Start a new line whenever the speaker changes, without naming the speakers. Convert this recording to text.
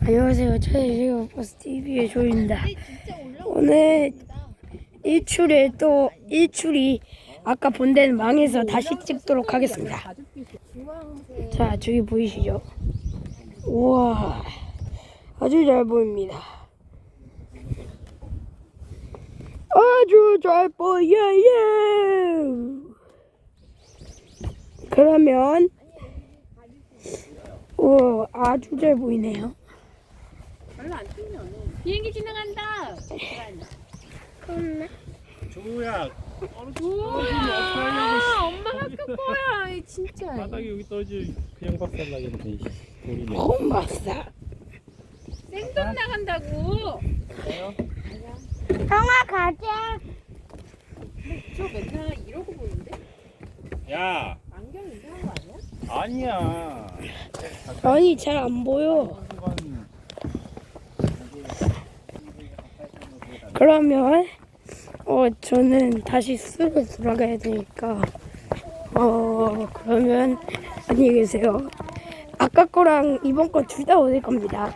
안녕하세요. 차이시오 버스 TV의 조입니다. 오늘 일출이 아까 본 데는 망해서 다시 찍도록 하겠습니다. 자, 저기 보이시죠? 우와, 아주 잘 보입니다. 아주 잘 보여요. 그러면 아주 잘 보이네요.
별로 안 튀면 비행기 지나간다.
조우야,
우와, 엄마 학교 거야. 이 진짜.
바닥에 여기 떨어질 그냥 박살나겠네. 돌이네.
고맙다.
생돈 나간다고.
형아 가자.
저 맨날 이러고 보이는데?
야,
안경 이상한 거 아니야?
아니야.
아니 잘 안 보여. 그러면 저는 다시 수로 돌아가야 되니까 그러면 안녕히 계세요. 아까 거랑 이번 거 둘 다 얻을 겁니다.